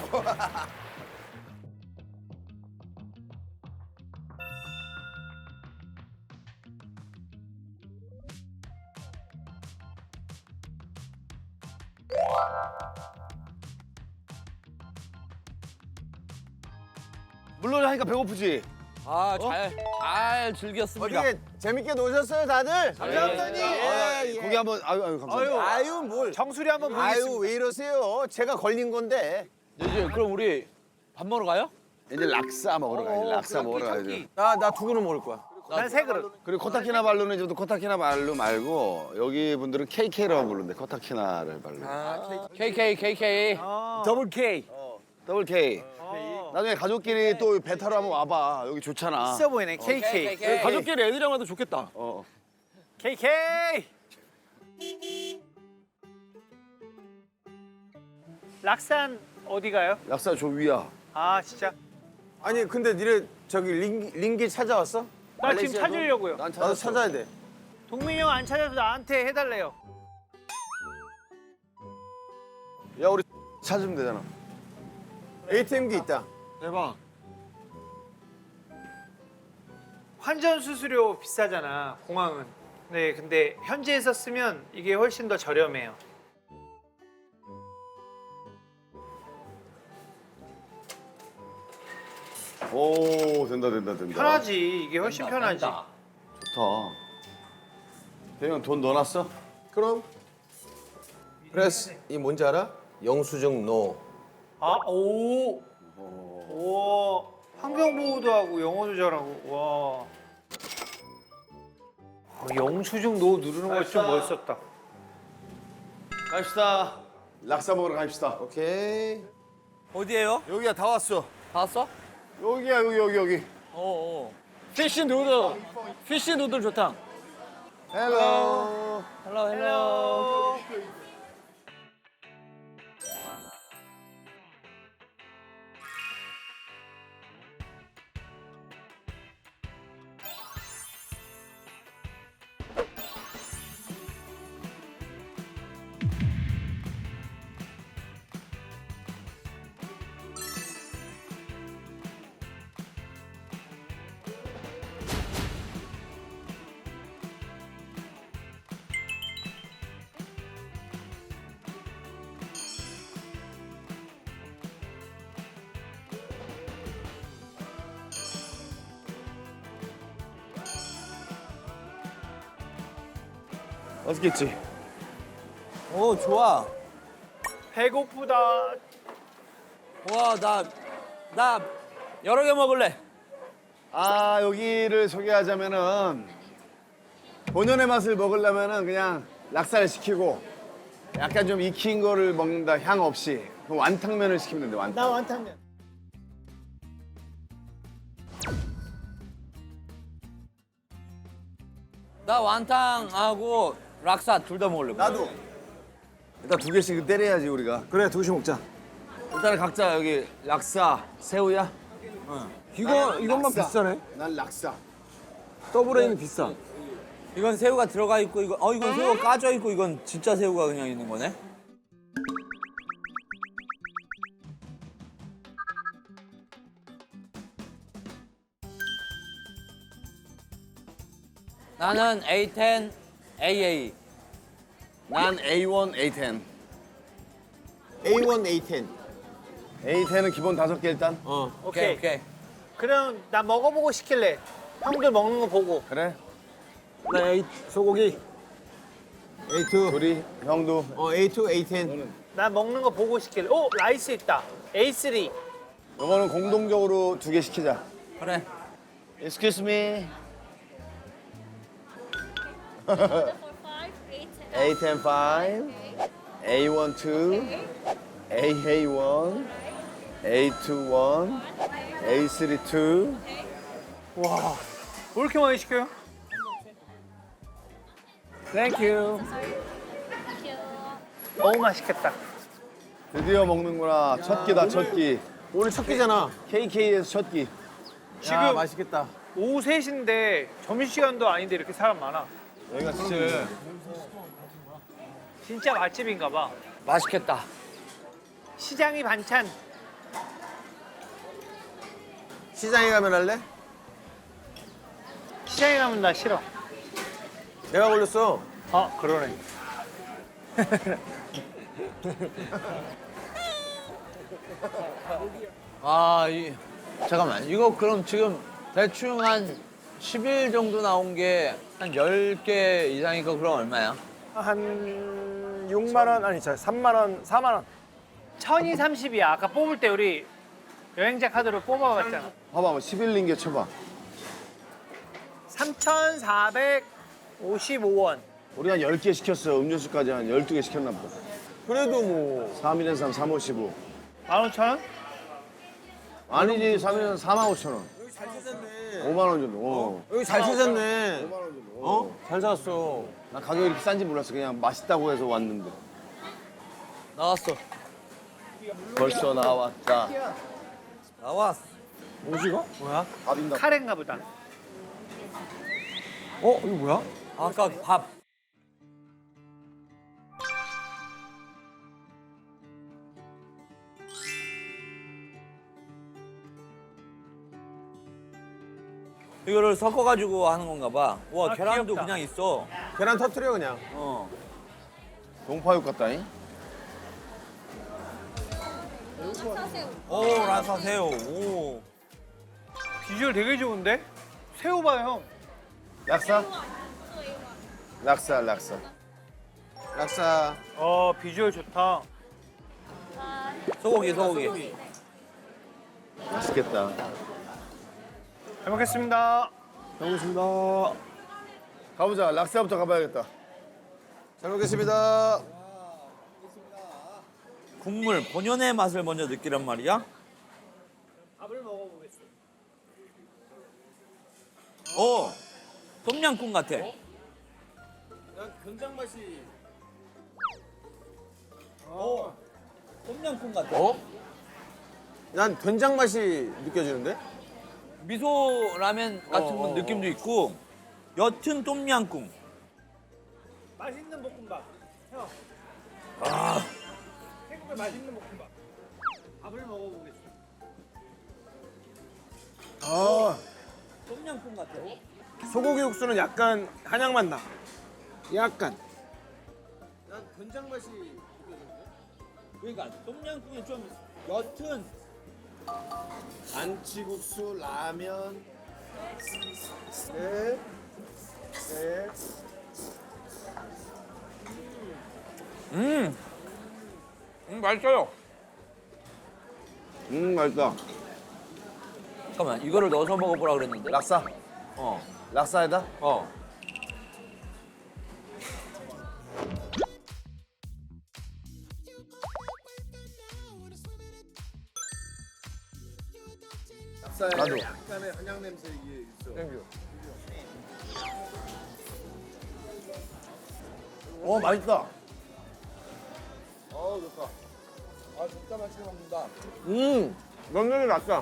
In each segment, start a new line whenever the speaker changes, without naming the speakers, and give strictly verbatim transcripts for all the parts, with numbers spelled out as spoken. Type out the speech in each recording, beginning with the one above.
물놀이 하니까 배고프지?
아, 잘, 잘 즐겼습니다.
어떻게 재밌게 노셨어요, 다들?
감사합니다.
예, 예.
고기 한번 아유 아유 감사합니다.
아유, 아유, 뭘.
정수리 한번 보겠습니다.
아유, 왜 이러세요? 제가 걸린 건데.
이제 그럼 우리 밥 먹으러 가요?
이제 락사 먹으러 가야지. 락사 먹으러 가야지.
나, 나 두 그릇 먹을 거야.
난 세 그릇.
그리고 코타키나발루는 이제 코타키나발루 말고 여기 분들은 케이케이라고 부르는데 코타키나를 발루.
케이케이, 케이케이.
더블 K.
더블 K. 나중에 가족끼리 또 배 타러 한번 와봐. 여기 좋잖아.
있어 보이네. 케이케이.
케이케이.
가족끼리 애들이랑 와도 좋겠다.
어.
케이케이. 락산 어디 가요?
락사 저 위야.
아 진짜?
아니, 근데 니네 저기 링, 링기 찾아왔어?
나 지금
말레이시아도?
찾으려고요.
난
나도
찾았어.
찾아야 돼.
동민이 형 안 찾아서 나한테 해달래요.
야 우리 찾으면 되잖아.
에이티엠기 있다.
대박. 환전 수수료 비싸잖아, 공항은. 네, 근데 현지에서 쓰면 이게 훨씬 더 저렴해요.
오 된다 된다 된다.
편하지, 이게 훨씬 편하지.
좋다. 대형 돈 넣어놨어?
그럼. 그래서 이 뭔지 알아? 영수증 노.
아, 오. 오. 환경보호도 하고 영어도 잘하고. 와. 어, 영수증 노 누르는 거 좀 멋있었다.
갑시다. 락사 먹으러 갑시다.
오케이.
어디에요?
여기야 다 왔어.
다 왔어?
여기야 여기 여기 여기.
어, 어.
피쉬 누들. 피쉬 누들 좋다.
헬로.
헬로, 헬로.
맛있겠지?
오, 좋아.
배고프다.
와, 나, 나 여러 개 먹을래.
아 여기를 소개하자면은 본연의 맛을 먹으려면은 그냥 락사를 시키고 약간 좀 익힌 거를 먹는다 향 없이 그럼 완탕면을 시키면 된대 완탕.
나 완탕면.
나 완탕하고 락사 둘 다 먹을래.
나도.
일단 두 개씩 때려야지 우리가.
그래, 두 개씩 먹자.
일단 각자 여기 락사 새우야.
이거, 이것만 비싸네.
난 락사.
더블 A는 비싸.
이건 새우가 들어가 있고, 이거, 어, 이건 새우가 까져 있고, 이건 진짜 새우가 그냥 있는 거네. 나는 에이 텐, 에이에이.
난 에이 원, 에이 텐.
에이 원, 에이 텐.
에이 텐은 기본 다섯 개 일단.
어.
오케이,
오케이.
오케이.
그럼 나 먹어보고 시킬래. 형들 먹는 거 보고.
그래?
나 에이, 소고기. 에이 투.
우리 형도.
어, 에이 투, 에이 텐.
나 먹는 거 보고 시킬래. 오, 라이스 있다. 에이 쓰리.
이거는 공동적으로 두 개 시키자.
그래.
Excuse me.
For five, eight,
에이 텐 five, 에이 원 two, 에이에이 one, 에이 투 one, 에이 쓰리 two.
와, 왜 이렇게 많이 시켜요? 땡큐.
thank you.
너무 맛있겠다.
드디어 먹는구나. 첫 끼다, 첫 끼.
오늘 첫 끼잖아.
케이케이에서 첫 끼.
지금
야, 맛있겠다.
오후 세 시인데 점심시간도 아닌데 이렇게 사람 많아.
여기가 진짜
진짜 맛집인가 봐.
맛있겠다.
시장이 반찬.
시장에 가면 할래?
시장에 가면 나 싫어.
내가 걸렸어.
어, 그러네.
아, 이 잠깐만. 이거 그럼 지금 대충 한 십 일 정도 나온 게 한 열 개 이상이고 그럼 얼마야?
한 육만 원 아니 저 삼만 원, 사만 원.
천이삼십이야. 아까 뽑을 때 우리 여행자 카드로 뽑아봤잖아.
봐봐, 십일 링게 쳐봐.
삼천사백오십오 원.
우리 한 열 개 시켰어. 음료수까지 한 열두 개 시켰나 보다.
그래도 뭐
삼 일엔 삼, 삼, 오, 십오.
만 오천 원?
아니지, 삼 일엔 사만 오천 원.
여기 잘 찾았네.
오만 원 정도. 어.
여기 잘 찾았네.
오만 원 정도.
어? 잘 찾았어.
나 가격이 이렇게 싼지 몰랐어. 그냥 맛있다고 해서 왔는데.
나왔어.
벌써 나왔다.
나왔어.
뭐지가? 뭐야?
밥인가?
카레인가 보다.
어? 이거 뭐야?
아까 밥. 이거를 섞어가지고 하는 건가 봐. 와,
아,
계란도
귀엽다.
그냥 있어.
계란 터트려 그냥.
어.
동파육 같다잉?
오, 라사새우. 오.
비주얼 되게 좋은데? 새우 봐, 형.
락사? 락사, 락사.
락사.
어, 비주얼 좋다.
소고기, 소고기.
맛있겠다.
잘 먹겠습니다.
잘 먹겠습니다.
가보자. 락사부터 가봐야겠다.
잘 먹겠습니다.
국물, 본연의 맛을 먼저 느끼란 말이야?
밥을 먹어보겠습니다.
오, 똠양꿍 같아.
된장 맛이.
오, 똠양꿍 같아.
어? 난 된장 맛이 느껴지는데?
미소 라면 같은
어, 어,
느낌도 있고 옅은 똠양꿍.
맛있는 볶음밥. 형.
아,
태국의 맛있는 볶음밥. 밥을 먹어보겠습니다.
아,
똠양꿍 같아.
소고기 육수는 약간 한약 맛 나. 약간.
난 된장 맛이
그러니까 똠양꿍이 좀 옅은.
안치국수, 라면. 네. 네.
음, 음 맛있어요.
음, 맛있다.
잠깐만, 이거를 넣어서 먹어보라 그랬는데.
락사.
어,
락사에다?
어.
락사에
나도.
약간의 한약 냄새 이게 있어.
땡큐.
어, 맛있다. 어, 좋다. 아, 진짜 맛있게 먹는다.
음, 면면이 낫다.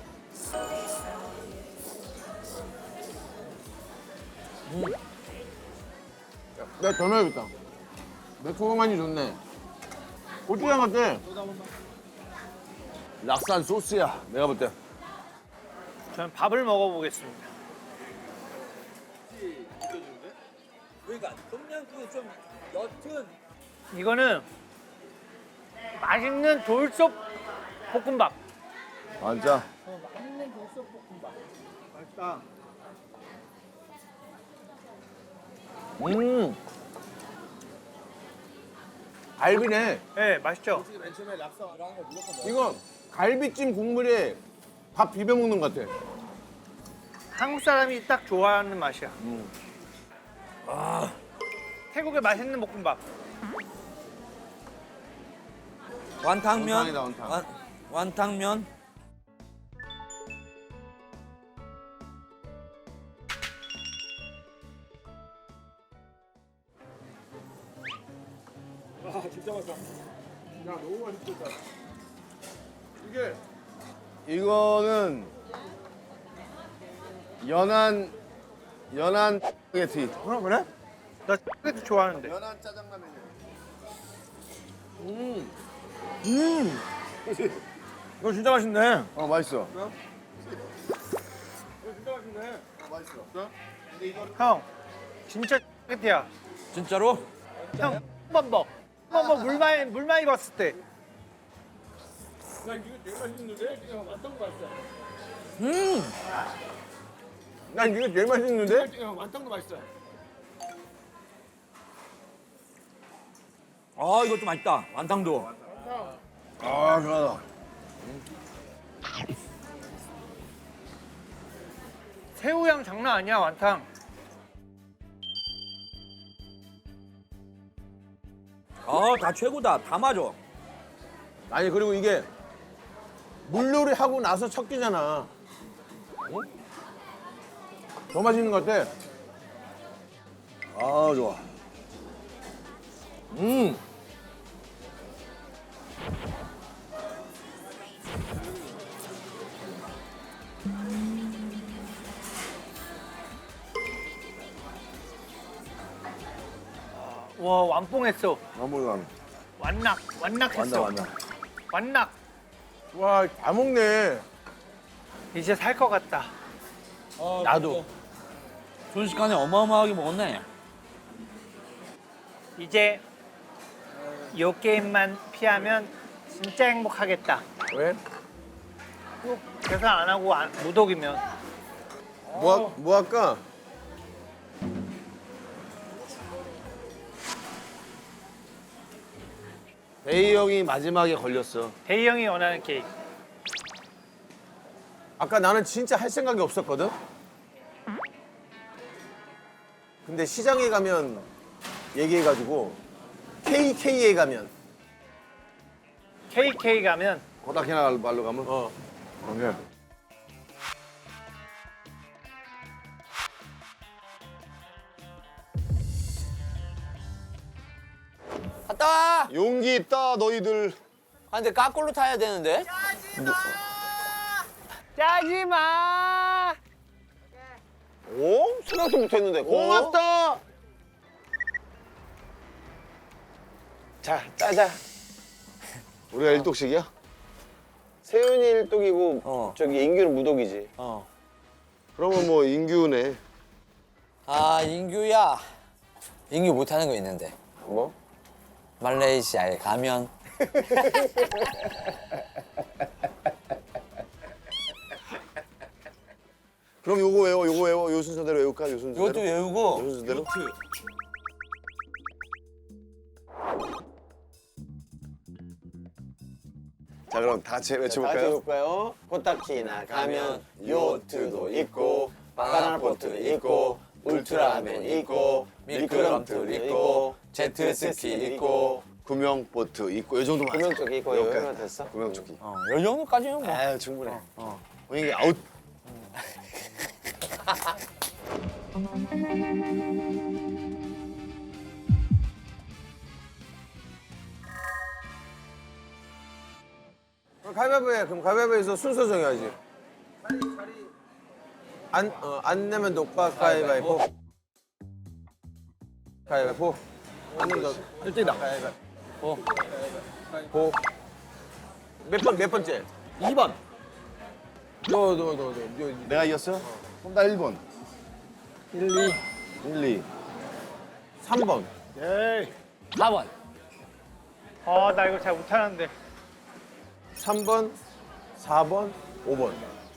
음. 내가 더 넣어야겠다. 매콤하니 좋네. 고추장 같아.
락산 소스야, 내가 볼 때.
저는 밥을 먹어보겠습니다.
그러니까 똠양꿍이 좀 옅은.
이거는 맛있는 돌솥 볶음밥.
진짜?
맛있다.
음. 갈비네.
네, 맛있죠?
이거 갈비찜 국물에 밥 비벼 먹는 것 같아.
한국 사람이 딱 좋아하는 맛이야.
아,
태국의 맛있는 볶음밥.
완탕면.
원탕이다, 원탕.
완, 완탕면.
이게
이거는 연한, 연한 스파게티.
그래 그래?
나 X도 좋아하는데.
연한 짜장라면이야.
음. 음. 이거 진짜 맛있네.
어, 맛있어.
형, 진짜 끝이야.
진짜로?
형, 한번 먹. 한번 먹. 물 많이 물 많이 봤을 때.
난 이게 제일 맛있는데?
아 이것도 맛있다. 완탕도.
아, 그러다.
새우향 장난 아니야 완탕.
아다 최고다. 다 맞아.
아니 그리고 이게 물놀이 하고 나서 첫 끼잖아. 어? 더 맛있는 것 같아.
아, 좋아.
음.
와 완뽕했어.
한번
완낙 완낙했어.
완다, 완다.
완낙.
와, 다 먹네.
이제 살 것 같다.
나도.
순식간에 어마어마하게 먹었네.
이제 요 게임만 피하면 진짜 행복하겠다.
왜?
꼭 계산 안 하고 안- 무독이면.
뭐, 하- 뭐 할까?
대희 형이 마지막에 걸렸어.
대희 형이 원하는 게임.
아까 나는 진짜 할 생각이 없었거든? 근데 시장에 가면 얘기해가지고 케이케이에 가면
케이케이 가면
코다키나 말로 가면?
어.
오케이.
갔다 와.
용기 있다, 너희들.
아 근데 까꼴로 타야 되는데.
짜지 마.
오? 생각도 못했는데. 고맙다. 자, 짜자.
우리가 일독씩이야?
세윤이 일독이고
어.
저기 인규는 무독이지.
어.
그러면 뭐 인규네.
아 인규야 인규 못하는 거 있는데
뭐?
말레이시아에 가면
그럼 요거 외워, 요거 외워. 요 순서대로 외울까? 요 순서대로?
이것도 외우고
요 순서대로? 자, 그럼 다 같이
다 같이
외쳐볼까요?
해볼까요? 코타키나 가면 요트도 있고 바나나보트 있고 울트라맨 있고 미끄럼틀 있고 제트스키 있고
구명보트 있고 요 정도만 하자.
구명조끼 있고
여기까지.
여기만 됐어?
구명조끼.
어, 이 정도까지는 뭐
아, 충분해. 어. 이게 아웃.
그럼 가위바위보 해. 그럼 가위바위보에서 순서 정해야지. 안, 어, 안 내면 녹화 가위바위보. 가위바위보. 안 내면 너 일 등이다. 가위바위보. 보. 몇 번, 몇 번째?
이 번
너, 너, 너, 너. 너.
내가 이겼어? 그럼 나 일 번.
일, 이,
일, 이.
삼 번.
사 번
어, 나 이거 잘 못하는데.
삼 번, 사 번, 오 번.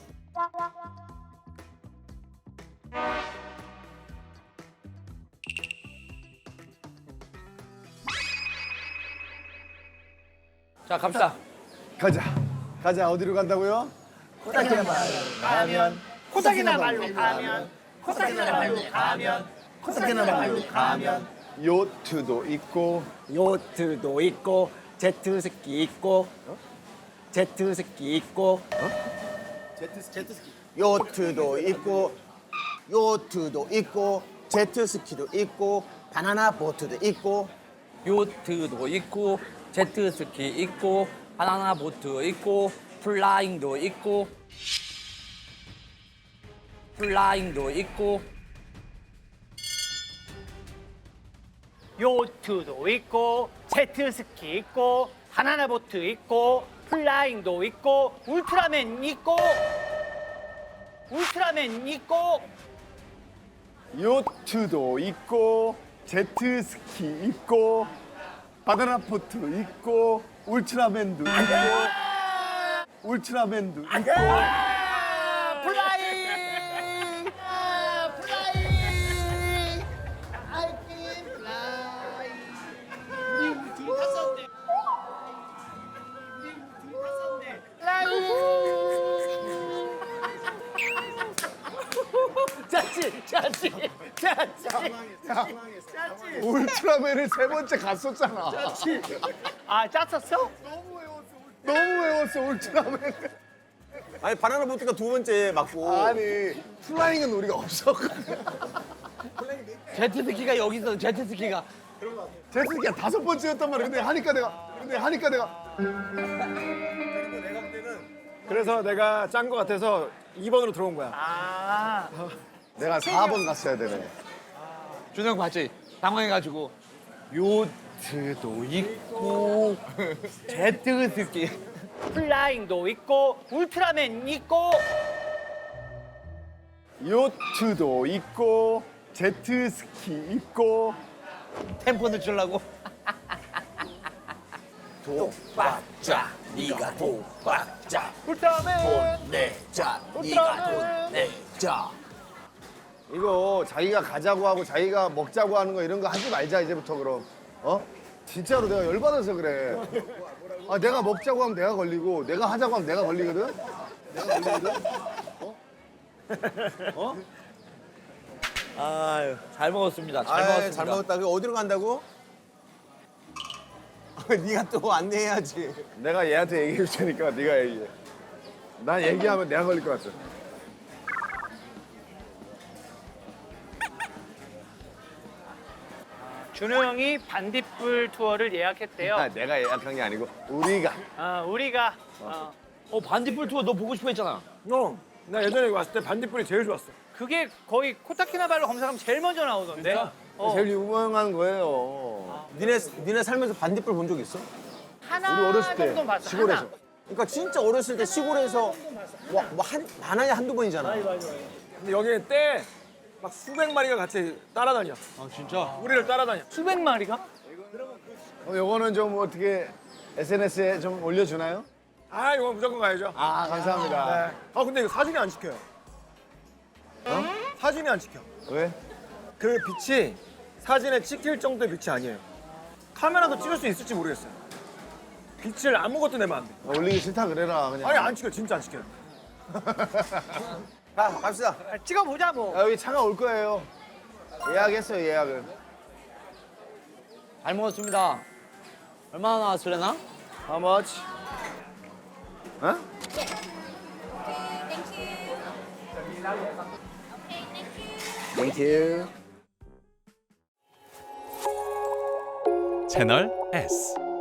자 갑시다.
가자. 가자. 어디로 간다고요?
코타키나 말로 가면. 코타키나 말로 가면. 코타키나 말로 가면.
요트도 있고
요트도 있고 제트스키 있고 제트스키 있고
요트도 있고, 요트도 있고, 제트스키도 있고, 바나나 보트도 있고,
요트도 있고 제트스키 있고 바나나 보트 있고 플라잉도 있고 플라잉도 있고
요트도 있고 제트스키 있고 바나나 보트 있고 플라잉도 있고 울트라맨 있고
울트라맨 있고
요트도 있고 제트스키 있고 바나나포트 있고 울트라맨도 있고 울트라맨도 있고
플라잉 아, 플라잉 I can fly 우리 둘이 탔었네 우리 둘이 탔었네 플라잉 짜치 짜치 짜치
울트라맨을 세 번째 갔었잖아.
아 짰었어?
너무 외웠어 울트라맨.
아니 바나나 보트가 두 번째 맞고.
아니 플라잉은 우리가 없었거든.
제트스키가 여기 있어. 제트스키가.
제트스키가 다섯 번째였단 말이야. 근데 하니까 내가 근데 하니까 내가
그래서 내가 짠 거 같아서 이 번으로 들어온 거야.
아
내가 사 번 갔어야 되네.
준영 봤지? 당황해가지고 요트도 있고 제트스키.
플라잉도 있고 울트라맨 있고
요트도 있고 제트스키 있고
템포 늦추려고.
독박자 네가 독박자
울트라맨
내자
울트라맨
내자.
이거 자기가 가자고 하고 자기가 먹자고 하는 거 이런 거 하지 말자 이제부터 그럼. 어? 진짜로 내가 열받아서 그래. 아 내가 먹자고 하면 내가 걸리고 내가 하자고 하면 내가 걸리거든. 내가 걸리거든.
아유, 잘 먹었습니다. 잘
아이,
먹었습니다.
잘 먹었다. 그 어디로 간다고? 네가 또 안내해야지.
내가 얘한테 얘기해 줄 테니까 네가 얘기해. 난 얘기하면 내가 걸릴 것 같아.
준호 형이 반딧불 투어를 예약했대요.
아, 내가 예약한 게 아니고 우리가.
아, 우리가 어,
어, 반딧불 투어 너 보고 싶어 했잖아.
어, 나 예전에 여기 왔을 때 반딧불이 제일 좋았어.
그게 거의 코타키나발루 검색하면 제일 먼저 나오던데. 어,
제일 유명한 거예요.
니네 니네 살면서 반딧불 본 적 있어?
하나
우리 어렸을 때
정도 봤어.
시골에서.
하나.
그러니까 진짜 어렸을 때 시골에서 뭐한 많아야 한두 번이잖아.
근데 여기에 때 막 수백 마리가 같이 따라다녀.
아, 진짜?
우리를 따라다녀.
수백 마리가?
어, 요거는 좀 어떻게 에스엔에스에 좀 올려주나요?
아, 이거 무조건 가야죠.
아 감사합니다.
네. 아, 근데 이거 사진이 안 찍혀요. 어? 사진이 안 찍혀.
왜?
그 빛이 사진에 찍힐 정도의 빛이 아니에요. 카메라도 찍을 수 있을지 모르겠어요. 빛을 아무것도 내면 안 돼.
어, 올리기 싫다 그래라 그냥.
아니, 안 찍혀. 진짜 안 찍혀요.
가 갑시다.
아, 찍어보자 뭐.
아, 여기 차가 올 거예요. 예약했어요 예약을.
잘 먹었습니다. 얼마나 나왔을래나?
How much? 어?
Okay, thank you. Okay, thank you.
Thank you.
채널 S